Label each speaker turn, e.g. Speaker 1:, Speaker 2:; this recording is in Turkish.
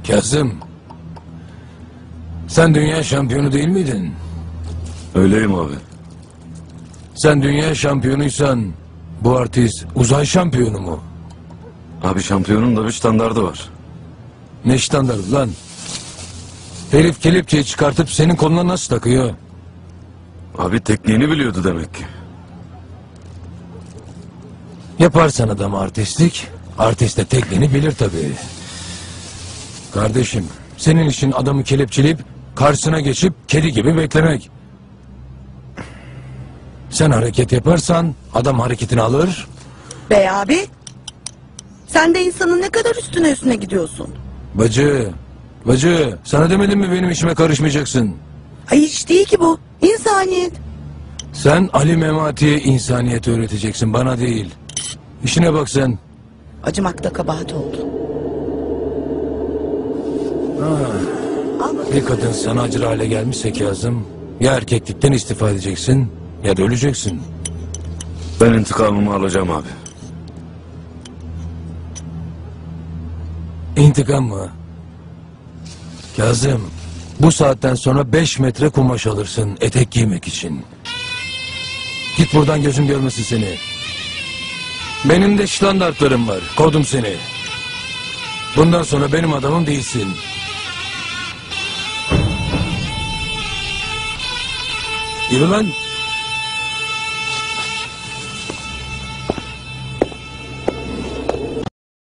Speaker 1: Kazım, sen dünya şampiyonu değil miydin?
Speaker 2: Öyleyim abi.
Speaker 1: Sen dünya şampiyonuysan bu artist uzay şampiyonu mu?
Speaker 2: Abi şampiyonun da bir standardı var.
Speaker 1: Ne standardı lan? Herif kelepçeyi çıkartıp senin koluna nasıl takıyor?
Speaker 2: Abi tekniğini biliyordu demek ki.
Speaker 1: Yaparsan adam artistlik, artist de tekniğini bilir tabii. Kardeşim, senin işin adamı kelepçeleyip karşısına geçip kedi gibi beklemek. Sen hareket yaparsan adam hareketini alır.
Speaker 3: Bey abi, sen de insanın ne kadar üstüne gidiyorsun.
Speaker 1: Bacı, sana demedim mi benim işime karışmayacaksın?
Speaker 3: Ay hiç değil ki bu, insaniyet.
Speaker 1: Sen Ali Memati'ye insaniyet öğreteceksin, bana değil. İşine bak sen.
Speaker 3: Acımakta kabahat oldu. Al bakalım.
Speaker 1: Bir kadın sana acır hale gelmişse Kazım, ya erkeklikten istifa edeceksin ya da öleceksin.
Speaker 2: Ben intikamımı alacağım abi.
Speaker 1: İntikam mı? Kazım, bu saatten sonra 5 metre kumaş alırsın etek giymek için. Git buradan, gözüm görmesin seni. Benim de standartlarım var, kovdum seni. Bundan sonra benim adamım değilsin. Yürü lan.